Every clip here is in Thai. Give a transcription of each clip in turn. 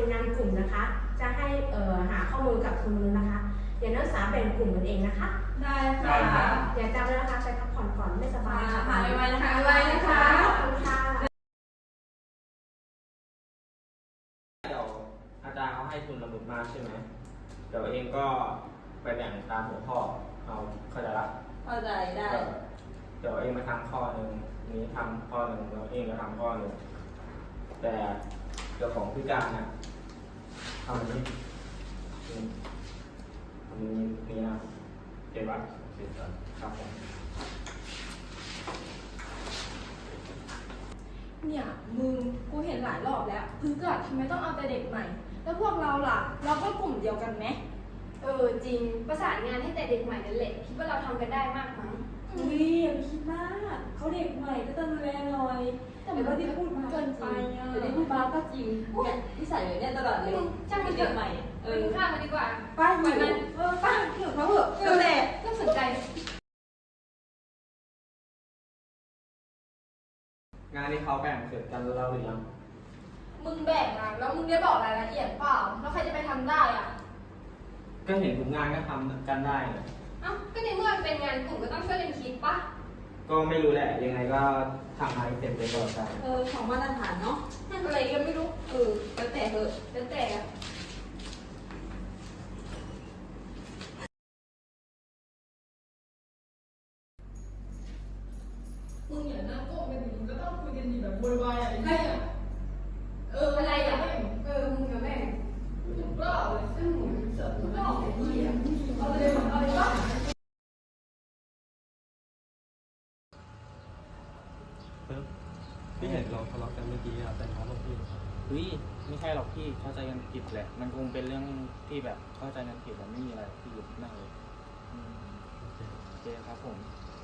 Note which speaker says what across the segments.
Speaker 1: เป็นงานกลุ่มนะคะจะให้หาข้อมูลกับทุนนู้นนะคะเดี๋ยวนักศึกษาแบ่งกลุ่มกันเองนะคะ
Speaker 2: ได้ค่ะ
Speaker 1: อย่าจำไว้นะคะไปพักผ่อนก่อนไม่สบาย
Speaker 2: ค่ะไว้นะคะไว้นะคะ
Speaker 1: ขอบคุณค่ะ
Speaker 3: เดี๋ยวอาจารย์เขาให้ทุนสมุดมาใช่ไหมเดี๋ยวเองก็ไปแบ่งตามหัวข้อเอาเข้าใจละ
Speaker 2: เข้าใจได้
Speaker 3: เดี๋ยวเองมาทำข้อหนึ่งนี้ทำข้อหนึ่งแล้วเองก็ทำข้อหนึ่งแต่เดี๋ยวของพิการนะทำอันนี้นี่นะเก็บไว้เก็บก่อนครับผม
Speaker 2: เนี่ยมึงกูเห็นหลายรอบแล้วพึกอะทำไมต้องเอาแต่เด็กใหม่แล้วพวกเราล่ะเราก็กลุ่มเดียวกันไหม
Speaker 4: จริงประสานงานให้แต่เด็กใหม่นั่นแหละคิดว่าเราทำกันได้มากมั้ง
Speaker 2: อย่าไปคิดมากเขาเด็กใหม่ก็ต้องดูแลหน่อยแต่ว่าที่พูดมาเกินไปอ่ะแต่ที่พูดมาก็จริงเนี่ยที่ใส่แบบเนี้ยตลอดเลย
Speaker 4: ช่างมันเด็กใหม่ไปกินข้าวกันดีกว่า
Speaker 2: ป้าอยู่ป้าอยู่เขาเหอะนั่นแหละ
Speaker 4: ก็สนใจ
Speaker 3: งานที่เขาแบ่งเสร็จกันแล้วหรือยัง
Speaker 4: มึงแบ่งอะแล้วมึงได้บอกรายละเอียดเปล่าแล้วใครจะไปทำได้อ่ะ
Speaker 3: ก็เห็นทุกงานก็ทำกันได้นะ
Speaker 4: ก็ในเมื่อมันเป็นงานกลุ่มก็ต้องช่วยกันคิดปะ
Speaker 3: ก็ไม่รู้แหละยังไงก็ทำให้เสร็จไปก่อนกัน
Speaker 2: ของมาตรฐานเนาะ
Speaker 4: อะไรก็ไม่รู้
Speaker 2: แล้วแต่เถอะ
Speaker 4: แล้วแต่
Speaker 2: มึงอย่านั่งโก้กันดิมึงก็ต้องคุยกันดีแบบโวยวายอะไรเงี้ย
Speaker 4: อะไรอ่ะมึงกับแม่
Speaker 2: ถูกเปล่าเลย
Speaker 4: ซึ่งมึงเสิร์ฟมึงก็ออกแบบนี้อ่ะ
Speaker 2: เอาเลยก็
Speaker 5: พี่เห็นเราทะเลาะกันเมื่อกี้อะแต่เขาบอกพี่
Speaker 3: ไม่ใช่หรอกพี่เข้าใจกันผิดแหละมันคงเป็นเรื่องที่แบบเข้าใจกันผิดแต่ไม่มีอะไรที่อยู่นั่งเลยโอเคครับผม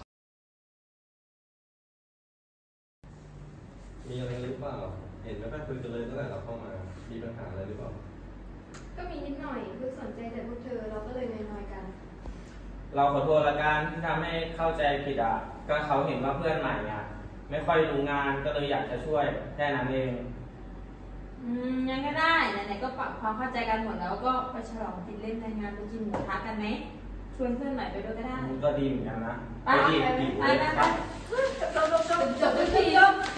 Speaker 5: มีอะไรหรือเปล่าเห็นไม่ค่อยคุยกันเลยตั้งแต่เราเข้ามามีปัญหาอะไรหรือเปล่า
Speaker 4: ก็มีนิดหน่อยคือสนใจแต่พวกเธอเราก็เลยน้อยๆกัน
Speaker 3: เราขอโทษละกันที่ทำให้เข้าใจผิดก็เขาเห็นว่าเพื่อนใหม่ไม่ค่อยรู้งานก็เลยอยากจะช่วยแค่นั้นเอง
Speaker 2: ยังก็ได้ไหนๆก็ปรับความเข้าใจกันหมดแล้วก็ไปฉลองติดเล่นในงานไปกินหมูกระทะกันไหมชวนเพื่อนใหม่ไปด้วยก็ได้
Speaker 3: ก็ดีเหมือนกันนะ
Speaker 2: ไป
Speaker 3: ดี
Speaker 2: ไป
Speaker 3: ครับ
Speaker 2: จบด้วยที